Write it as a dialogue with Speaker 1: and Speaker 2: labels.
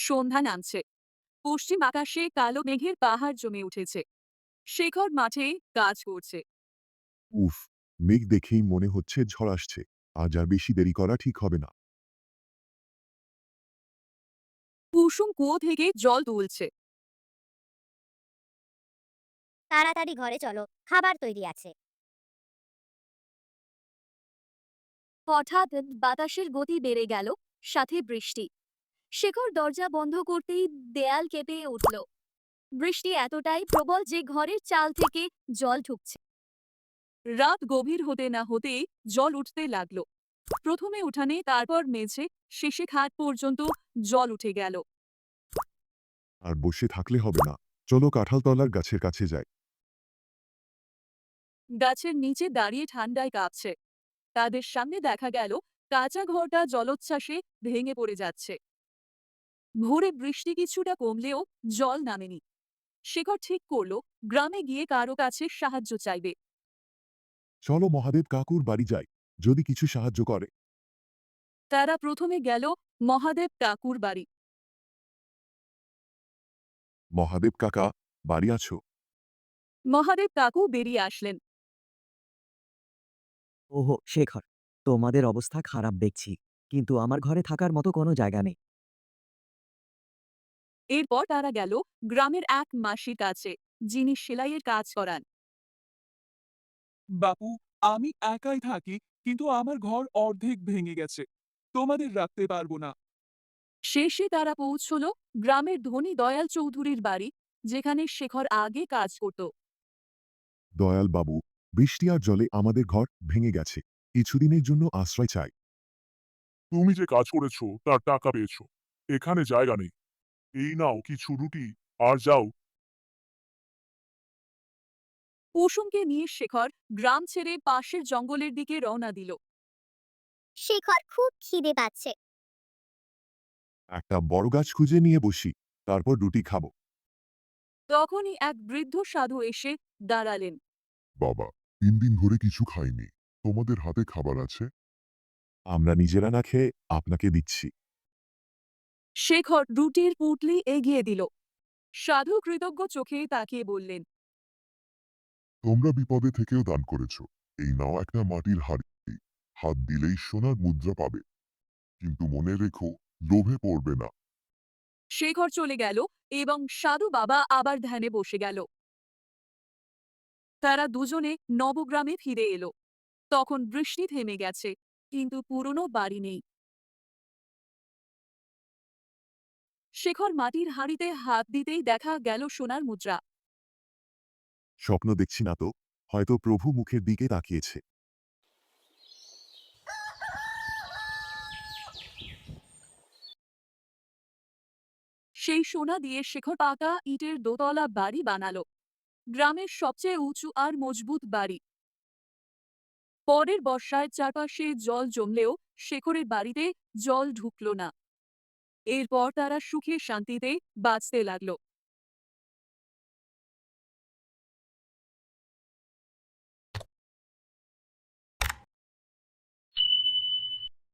Speaker 1: সন্ধ্যা নামছে। পশ্চিম আকাশে কালো মেঘের পাহাড় জমে উঠেছে। শেখর মাঠে কাজ করছে।
Speaker 2: উফ! মেঘ দেখেই মনে হচ্ছে ঝড় আসছে। আজ আর বেশি দেরি করা ঠিক হবে না।
Speaker 1: কুসুম কুয়ো থেকে জল তুলছে।
Speaker 3: তাড়াতাড়ি ঘরে চলো, খাবার তৈরি আছে।
Speaker 1: হঠাৎ বাতাসের গতি বেড়ে গেল, সাথে বৃষ্টি। শেখর দরজা বন্ধ করতেই দেয়াল কেঁপে উঠল। বৃষ্টি এতটাই প্রবল যে ঘরের চাল থেকে জল ঢুকছে। রাত গভীর হতে না হতেই জল উঠতে লাগলো। প্রথমে উঠানে, তারপর মেঝে, শেষে খাট পর্যন্ত জল উঠে গেল।
Speaker 2: আর বসে থাকলে হবে না। চলো কাঁঠালতলার গাছের কাছে যাই।
Speaker 1: গাছের নিচে দাঁড়িয়ে ঠান্ডায় কাঁপছে। তাদের সামনে দেখা গেল কাঁচা ঘরটা জলোচ্ছ্বাসে ভেঙে পড়ে যাচ্ছে। ভোরে বৃষ্টি কিছুটা কমলেও জল নামেনি। শেখর ঠিক করলো গ্রামে গিয়ে কারো কাছে সাহায্য চাইবে।
Speaker 2: চলো মহাদেব কাকুর বাড়ি যাই। যদি কিছু সাহায্য করে।
Speaker 1: তারা প্রথমে গেল মহাদেব কাকুর বাড়ি।
Speaker 2: মহাদেব কাকা, বাড়ি আছো?
Speaker 1: মহাদেব কাকু বেরিয়ে আসলেন।
Speaker 4: ওহো শেখর, তোমাদের অবস্থা খারাপ দেখছি, কিন্তু আমার ঘরে থাকার মতো কোনো জায়গা নেই।
Speaker 1: এরপর তারা গেল গ্রামের এক মাসির কাছে, যিনি সেলাইয়ের কাজ করান।
Speaker 5: বাপু, আমি একাই থাকি, কিন্তু আমার ঘর অর্ধেক ভেঙে গেছে। তোমাদের রাখতে পারবো না।
Speaker 1: শেষে তারা পৌঁছল গ্রামের ধনী দয়াল চৌধুরীর বাড়ি, যেখানে শেখর আগে কাজ করত।
Speaker 2: দয়াল বাবু, বৃষ্টি আর জলে আমাদের ঘর ভেঙে গেছে। কিছুদিনের জন্য আশ্রয় চাই।
Speaker 6: তুমি যে কাজ করেছো তার টাকা পেয়েছো। এখানে জায়গা নেই। এই নাও কিছু রুটি আর যাও।
Speaker 1: কুসুমকে নিয়ে শেখর গ্রাম ছেড়ে পাশের জঙ্গলের দিকে রওনা দিল।
Speaker 3: শেখর খুব খিদে পাচ্ছে।
Speaker 2: একটা বড় গাছ খুঁজে নিয়ে বসি, তারপর রুটি খাবো।
Speaker 1: তখনই এক বৃদ্ধ সাধু এসে দাঁড়ালেন।
Speaker 6: বাবা, 3 দিন ধরে কিছু খাইনি। তোমাদের হাতে খাবার আছে?
Speaker 2: আমরা নিজেরা না খেয়ে আপনাকে দিচ্ছি।
Speaker 1: শেখর রুটির পুঁটলি এগিয়ে দিল। সাধু কৃতজ্ঞ চোখে তাকিয়ে বললেন,
Speaker 6: তোমরা বিপদে থেকেও দান করেছো। এই নাও একটা মাটির হাঁড়ি। হাত দিলেই সোনার মুদ্রা পাবে। কিন্তু মনে রেখো, লোভে পড়বে না।
Speaker 1: শেখর চলে গেল এবং সাধু বাবা আবার ধ্যানে বসে গেল। তারা দুজনে নবগ্রামে ফিরে এলো। তখন বৃষ্টি থেমে গেছে, কিন্তু পুরনো বাড়ি নেই। শেখর মাটির হাঁড়িতে হাত দিতেই দেখা গেল সোনার মুদ্রা।
Speaker 2: স্বপ্ন দেখছি না তো, হয়তো প্রভু মুখের দিকে তাকিয়েছে।
Speaker 1: সেই সোনা দিয়ে শেখর পাকা ইটের দোতলা বাড়ি বানালো, গ্রামের সবচেয়ে উঁচু আর মজবুত বাড়ি। পরের বর্ষায় চারপাশে জল জমলেও শেখরের বাড়িতে জল ঢুকলো না। এরপর তারা সুখে শান্তিতে বাঁচতে লাগলো।